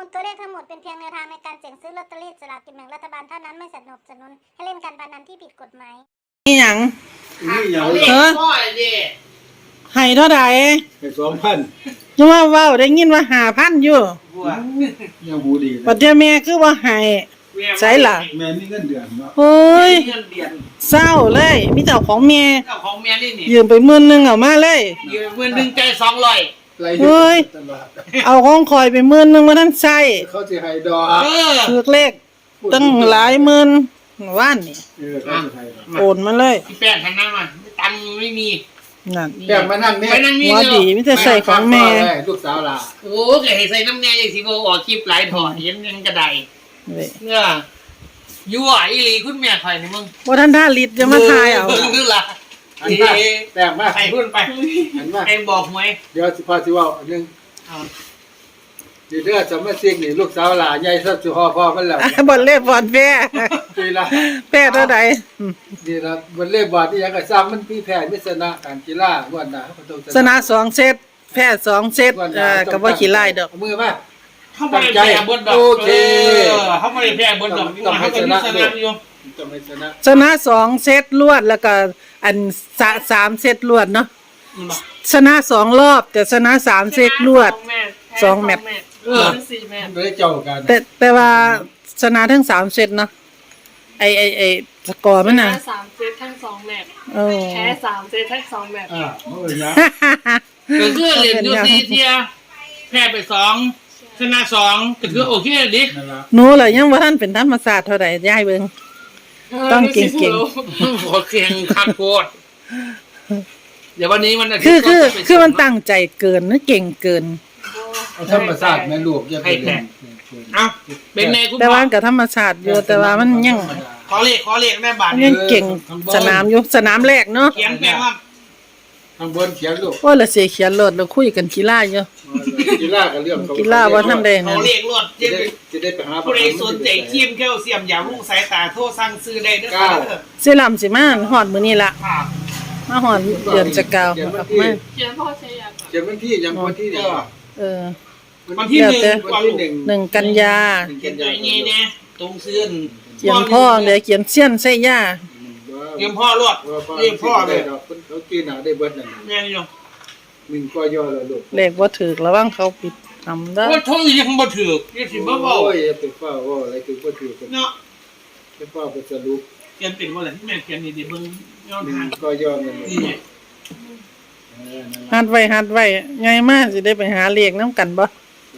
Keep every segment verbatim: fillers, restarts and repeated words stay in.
มูลตัวเลขทั้งหมดเป็นเพียงแนวทางในการเสี่ยงซื้อลอตเตอรี่สลากกินแบ่งรัฐบาลเท่านั้นไม่สนับสนุนให้เล่นการพนันที่ผิดกฎหมายนี่หยังนี่อย่างเออให้เท่าใดให้สองพันจังว่าเว้าได้ยินว่าห้าพันอยู่ยังบูดีปัดเดี๋ยวแม่คือว่าให้ใช่ล่ะแม่มีเงินเดือนเนาะเฮ้ยเศร้าเลยมีแต่ของแม่เจ้าของแม่นี่นี่ยืมไปหมื่นนึงเอามาเลยยืมหมื่นนึงใจสองร้อยเฮ้ยเอาของคอยไปหมื่นนึงมาท่านใช้เขาสิให้ดอกถูกเลขตั้งหลายหมื่นว่านนี่เออเขาสิให้โอนมาเลยพี่แป้งหันหน้ามาตังค์ไม่มีนั่นแป้งมานั่งนี่หัวดีมิแต่ใส่ของแม่ลูกสาวล่ะโอ้แกให้ใส่น้ำแน่ยังสิบ่ออกคลิปหลายถอดเห็นยังกระไดเนี่ยยั่วอีหลีคุณแม่ข่อยนี่มึงบ่ทันท่าลิตจะมาทายเอานึกล่ะอันนี้แป้งมาให้พุ่นไปอันมาให้บอกหวยเดี๋ยวสิพาสิเว้าอันนึงเอาดีเด้อจะมาเสียงนี่ลูกสาวหลานใหญ่สักสิฮอพ่อมันแล้วบ่เล่บ่อนแพ้ดีละแพ้เท่าใดดีละบ่เล่บ่ที่หยังก็ซ้ำมันมีแพ้มีชนะการกีฬาม่วนน่ะเขาต้องชนะสองเซตแพ้สองเซตเอ่อก็บ่ขี้ร้ายดอกมือมาเฮาบ่ได้แพ้บนดอกโอเคเฮาบ่ได้แพ้บนดอกต้องให้ชนะอยู่ต้องให้ชนะชนะสองเซตรวดแล้วก็อันสามเซตรวดเนาะชนะสองรอบแต่ชนะสามเซตรวดสองแมตช์เออสี่แมตช์บ่ได้เจ้ากันแต่แต่ว่าชนะทั้งสามเซตเนาะไอไอไอสกอร์มันน่ะชนะสามเซตทั้งสองแมตช์แพ้สามเซตทั้งสองแมตช์อ่าเอ้ยนะก็คือเล่นอยู่สี่เที่ยแพ้ไปสองชนะสองก็คือโอเคดิหนูล่ะยังบ่ทันเป็นธรรมศาสตร์เท่าใดยายเบิ่งต้องเก่งๆขอเก่งคักโคตรเดี๋ยววันนี้มันคือคือคือมันตั้งใจเกินนะเก่งเกินธรรมศาสตร์แม่ลูกอย่าไปเล่นเอ้าเป็นไงคุณแต่ว่าก็ธรรมศาสตร์อยู่แต่ว่ามันยังขอเลขขอเลขแม่บาทยังเก่งสนามอยู่สนามแรกเนาะเขียนแปลว่าข้างบนเขียนลูกว่าละเสียเขียนรถแล้วคุยกันกีฬาอยู่กีฬาก็เรื่องกีฬาบ่ทันได้นั่นขอเลขรถจะได้จะได้ไปหาผู้ใดสนใจครีมแคลเซียมอย่ารุ่งสายตาโทรสั่งซื้อได้เด้อค่ะสิลำสิมาฮอดมื้อนี้ล่ะมาฮอดเดือนจะเก่าออกมาเขียนพ่อใช้ยาเขียนวันที่ยังวันที่เนี่ยเออวันที่หนึ่งวันที่หนึ่งหนึ่งกันยาเขียนอย่างงี้เนี่ยตรงซื้อเขียนพ่อเดี๋ยวเขียนเสี้ยนใส่ย่าเขียนพ่อรวดเรียกพ่อเลยเขากินหาได้เบิดนั่นแม่นี่อยู่หนึ่งก็ย่อแล้วลูกเลขบ่ถูกระวังเขาปิดทำได้ว่าท่องยังบ่ถูกยังสิบ่เว้าโอ้ยไปฟ้าว่าอะไรคือบ่ถูกเนาะไปฟ้าไปสรุปเขียนเป็นบ่ล่ะแม่เขียนนี่ดิเบิ่งย้อนทางก็ย่อมันนี่หัดไว้หัดไว้ไงมาสิได้ไปหาเลขนำกันบ่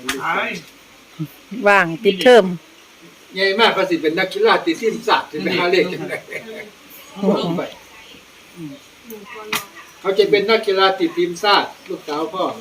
ว่างปิดเทอมใหญ่มากก็สิเป็นนักกีฬาติดทีมชาติสิไปหาเลขจังได๋เขาจะเป็นนักกีฬาติดทีมชาติลูกสาวพ่อ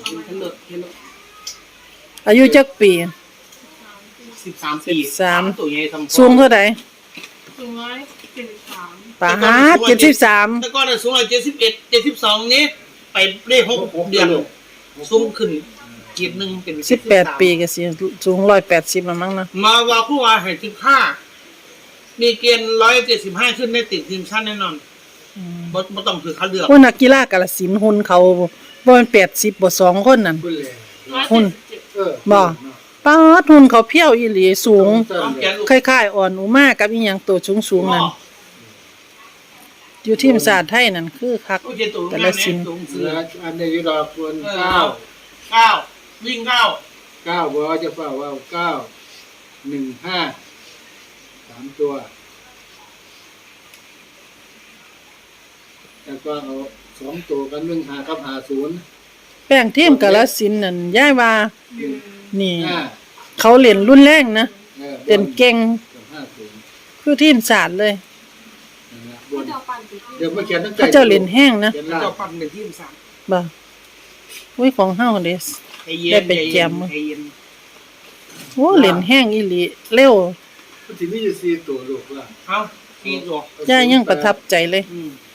อายุจักปีสิบสามปีตัวใหญ่ทำสูงเท่าใดสูงร้อยเจ็ดสิบสามปาดเจ็ดสิบสามแต่ก่อนสูงร้อยเจ็ดสิบเอ็ด เจ็ดสิบสองนี้ไปได้หกเดือนสูงขึ้นเกียรตินึงเป็นสิบแปดปีก็สิสูงหนึ่งร้อยแปดสิบมั้งนะมาว่าผู้ว่าให้สิบห้ามีเกณฑ์หนึ่งร้อยเจ็ดสิบห้าขึ้นได้ติดทีมชาติแน่นอนบ่บ่ต้องคือเขาเลือกพวกนักกีฬากาฬสินธุ์หุ่นเขาบ่แม่นแปดสิบบ่สองคนนั่นหุ่นเออบ่ปาดหุ่นเขาเพี้ยวอีหลีสูงคล้ายๆอ่อนอุมากับอีหยังตัวสูงๆนั่นอยู่ทีมชาติไทยนั่นคือคักกาฬสินธุ์อันนี้อยู่ดอกคนเก้าเก้าวิ่งเก้าเก้าบ่จะฟ้าว่าเก้า หนึ่ง ห้า สามตัวแล้วก็เอาสองตัวกันหนึ่งห้ากับห้าศูนย์แป้งทีมกาฬสินธุ์นั่นย้ายว่านี่เขาเล่นรุนแรงนะเล่นเก่งคือทีมชาติเลยเดี๋ยวมาเขียนตั้งใจเขาเจ้าเล่นแห้งนะเจ้าปั่นเป็นทีมชาติบ่อุ้ยของเฮาเด้ได้ไปแจมโอ้เล่นแห้งอีหลีเร็วสิมีอยู่สี่ตัวลูกล่ะเอ้าสี่ตัวย่ายังประทับใจเลย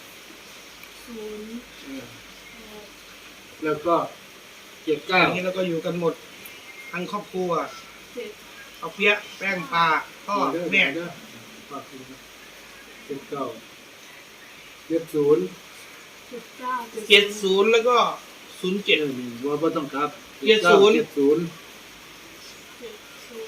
แล้วก็เจ็ดเก้านี่แล้วก็อยู่กันหมดทั้งครอบครัวเอาเปี๊ยะแป้งปลาพ่อแม่เจ็ดเก้าเจ็ดศูนย์เจ็ดศูนย์แล้วก็ศูนย์เจ็ดว่าบ่ต้องครับเจ็ดศูนย์เจ็ดศูนย์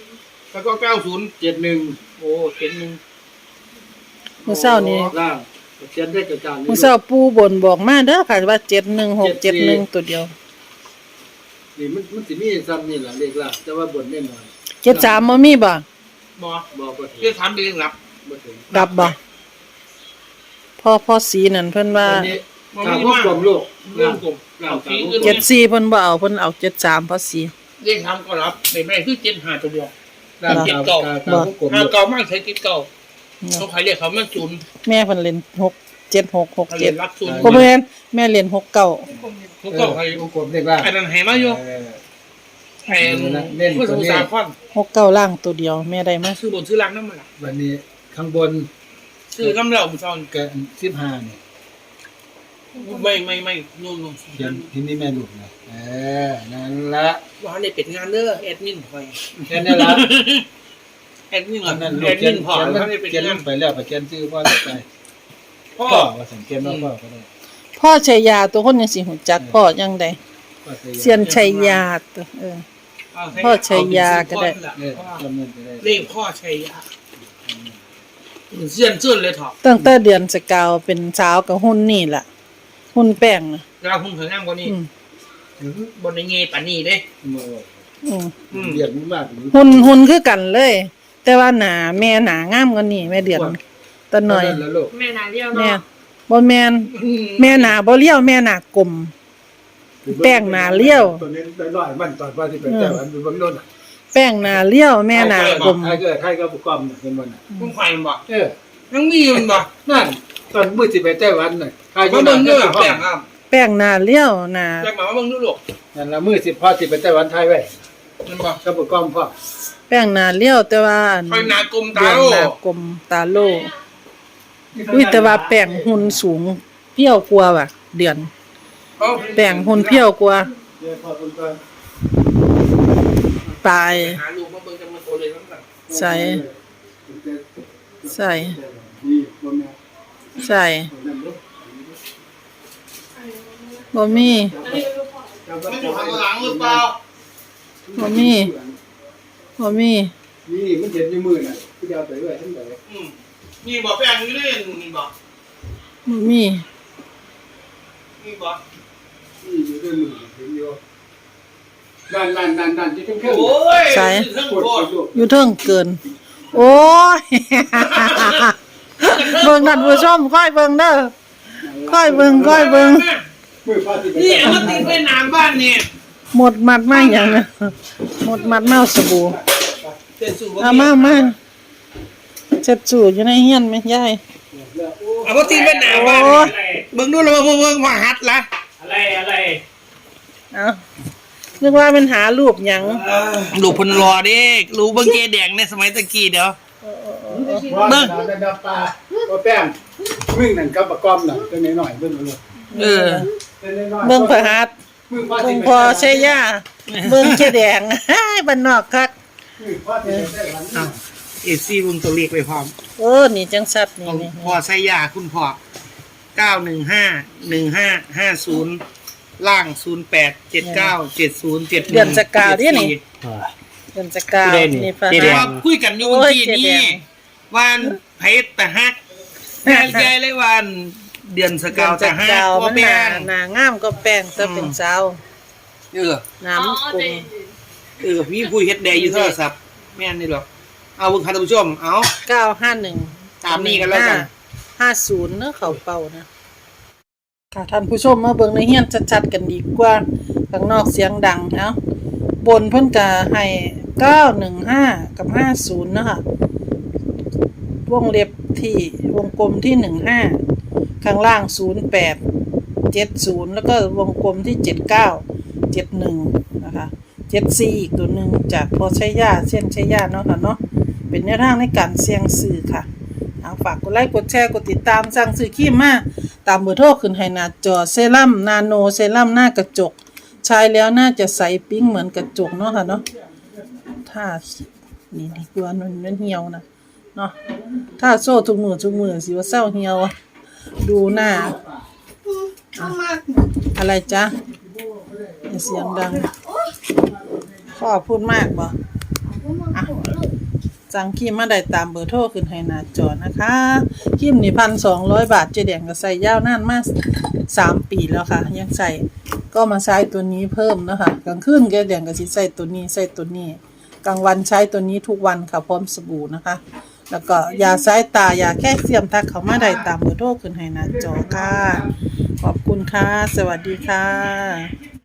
แล้วก็เก้าศูนย์เจ็ดหนึ่งโอ้เจ็ดหนึ่งมื้อเช้านี้ล่างเขียนได้กระจายมื้อเช้าปู่บนบอกมาเด้อค่ะว่าเจ็ดหนึ่งหกเจ็ดหนึ่งตัวเดียวนี่มันมันสิมีซ้ำนี่ล่ะเลขล่างแต่ว่าบนแน่นอนเจ็ดสามบ่มีบ่บอบอกบ่ถึงเรียกถามไปเรื่องรับบ่ถึงกลับบ่พ่อพ่อสีนั่นเพิ่นว่าวันนี้ทางพวกกลมโลกเรื่องกลุ่มล่าเอางที่ทางอื่นเจ็ดสี่เพิ่นบ่เอาเพิ่นเอาเจ็ดสามพ่อสีเรียกถามก็รับในแม่คือเจ็ดห้าตัวเดียวล่างทางทางพวกกลมห้าโลกเก่ามากใช้ติดเก่าเขาใครเรียกเขามันศูนย์แม่เพิ่นเล่นหกเจ็ดหกหกเขาเจ็เรีดยนรับศูนย์บ่แม่นแม่เล่นหกเก้าเขาเก่าใครพวกกลมเลขล่างไอ้นั่นให้มาอยู่เออไอ้เพื่อสมุทรสาครหกเก้าล่างตัวเดียวแม่ได้มาซื้อบนซื้อล่างนั่นมาละวันนี้ข้างบนซื้อน้ำเหล่าบุญชอนเกินสิบห้าเนี่ยไม่ไม่ไม่นู่นนู่นเขียนที่นี่แม่ลูกนะเออนั่นละว่าในเป็ดงานเด้อแอดมินคอยแค่นี้ละแอดมินเหรออันนั้นลูแอก ดเขีมิยนนพอเขียนเขาในเป็ดเขียนลงานงไปแล้วไปเขียนชื่อพ่อได้ไปพ่อพ่อว่าสังเกตว่าพ่อก็ได้พ่อชัยยาตัวคนยังสิหูจักพ่อยังได้พ่อใส่เซียนชัยยาตัวเออ พ่อชัยยาก็ได้เนี่ยจำเงินไปได้เรียกพ่อชัยยาเสียนเสื่อนเลยเถอะตั้งแต่เดือนสกาวเป็นสาวกับหุ่นนี่ล่ะหุ่นแป้งน่ะเราคงถึงงามกว่านี้อืมบนในเงยปานนี้เด้โม่อืมอืมเดือดมากหรือหุ่นหุ่นคือกันเลย แต่ว่าหนาแม่หนางามกว่านี้แม่เดือนตะหน่อยแล้วลูกแม่นาเรียวแม่เนาะบ่แม่นแม่หนาบ่เลี้ยวแม่หนากลม แป้งหนาเลี้ยวตัวนี้ได้ร้อยมันตอนว่าที่เป็นแต่วันเป็นบางโน่นอ่ะแป้งหนาเลี้ยวแม่หนากลมใครก็ใครก็บุกกรรมน่ะเป็นมันอ่ะมึงไฟมันบ่เออยังมีมันบ่นั่นตอนมื้อสิไปไต้หวันน่ะใครมาเบิ่งเด้อแป้งอ่ะแป้งหนาเลี้ยวหนาแป้งมาเบิ่งดูลูกนั่นละมื้อสิพ่อสิไปไต้หวันไทยไว้มันบ่ก็บุกกรรมพ่อแป้งหนาเลี้ยวแต่ว่าไฟนากลมเดืตาอนโลหนากลมตาโลอุ้ยแต่ว่าแป้งหุ่นสูงเพี้ยวกว่าว่ะเดือนเอาแป้งหุ่นเพี้ยวกว่าเดี๋ยวพ่อเพิ่นก่อนตายหาลูกมาเบิ่งจังมันโตเลยนั่นน่ะใส่ใส่นี่บ่แม่ใส่นั่นลูกบ่มีมันอยู่ข้างหลังหรือเปล่าบ่มีบ่มีนี่มันเห็นอยู่มือน่ะพี่เอาไปไว้ทั้งใดอืมนี่บ่แป้งอยู่นี่นี่บ่บ่มีนี่บ่นี่อยู่ด้วยมือเห็นอยู่นั่นนั่นนั่นนั่นที่ทั้งเครื่องโอ้ยเรื่องปวดโคตรลูกอยู่เทิงเกิน โอ้ย เบิ่งนั่นผู้ชมค่อยเบิ่งเด้อค่อยเบิ่งค่อยเบิ่งมือพ่อสิไปนี่เอามาติดไว้น้ำบ้านนี่หมดมัดมาหยังนะหมดมัดเมาสบู่เต็มสู่บ่เอามามาเจ็ดสูอยู่ในเฮียนไหมยายเอามาติดไว้น้ำบ้านเบิ่งดูแล้วเบิ่งเบิ่งว่าหัดละอะไรอะไรเอานึกว่าเป็นหารูปหยังลูกเพิ่นรอเด้รู้เบิ่งเกแดงในสมัยตะกี้เดี๋ยวเบิ่งดับปลาบ่แป้งมึงนั่นกับประกอมน่ะตัวน้อยๆเบิ่งลูกเออตัวน้อยๆเบิ่งพระหัตถ์มือพ่อสิเบิ่งไปพอใช่ย่าเบิ่งเจแดง บ้านนอกคักมือพ่อสิไปได้วันนี้เอซี่วงตัวเลขไปพร้อมโอ้นี่จังสัตว์นี่ของนี่พ่อไสยาคุณพ่อเก้าหนึ่งห้าหนึ่งห้าห้าศูนย์ล่างศูนย์แปดเจ็ดเก้าเจ็ดศูนย์เจ็ดเดือนสกาวนี่นี่เดือนสกาวนี่พระเดี๋ยวหัตถ์คุยกันอยู่โอ้เมื่ยอกี้เจ๊แดนี้งวันไผตะฮักแม่ใจเลยวันเดือนสเดืกาอวนสตะฮักกาวพ่อมันหแม่น้าน หน้างามก็แป้งแต่เป็นสาวเออน้ำกุ้งเออพี่ผู้เฮ็ดแดอยู่โทรศัพท์แม่นนี่หรอกเอาเบิ่งค่ะท่านผู้ชมเอาเก้าห้าหนึ่งตามนี้กันแล้วกันห้าศูนย์เนอะเขาเป่านะค่ะท่านผู้ชมมาเบิ่งในเฮียนชัดๆกันดีกว่าข้างนอกเสียงดังเนาะบนเพิ่นก็ให้เก้าหนึ่งห้ากับห้าศูนย์นะคะวงเล็บที่วงกลมที่หนึ่งห้าข้างล่างศูนย์แปดเจ็ดศูนย์แล้วก็วงกลมที่เจ็ดเก้าเจ็ดหนึ่งนะคะเจ็ดสี่อีกตัวหนึ่งจากพอใช้ยาเส้นใช้ยาเนาะค่ะเนาะเป็นแนวทางในการเสี่ยงซื้อค่ะเอาฝากกดไลค์กดแชร์กดติดตามสั่งซื้อครีมมาตามเบอร์โทรขึ้นให้หน้าจอเซรั่มนาโนเซรั่มหน้ากระจกใช้แล้วน่าจะใสปิ้งเหมือนกระจกเนาะค่ะเนาะถ้านี่ดีกว่ามันมันเหี่ยวนะเนาะถ้าโซ่ทุกมือทุกมือสิว่าเศร้าเหี่ยวอะดูหน้าอ่ะอะไรจ๊ะอย่าเสียงดังพ่อพูดมากบ่อ่ะสั่งครีมมาได้ตามเบอร์โทรขึ้นให้หน้าจอนะคะครีมนี่พันสองร้อยบาทเจ๊แดงก็ใส่ยาวนานมาสามปีแล้วค่ะยังใส่ก็มาใช้ตัวนี้เพิ่มนะคะกลางคืนเจ๊แดงก็สิใส่ตัวนี้ใส่ตัวนี้กลางวันใช้ตัวนี้ทุกวันค่ะพร้อมสบู่นะคะแล้วก็ยาสายตายาแก้เสียมทักเขามาได้ตามเบอร์โทรขึ้นให้หน้าจอค่ะขอบคุณค่ะสวัสดีค่ะ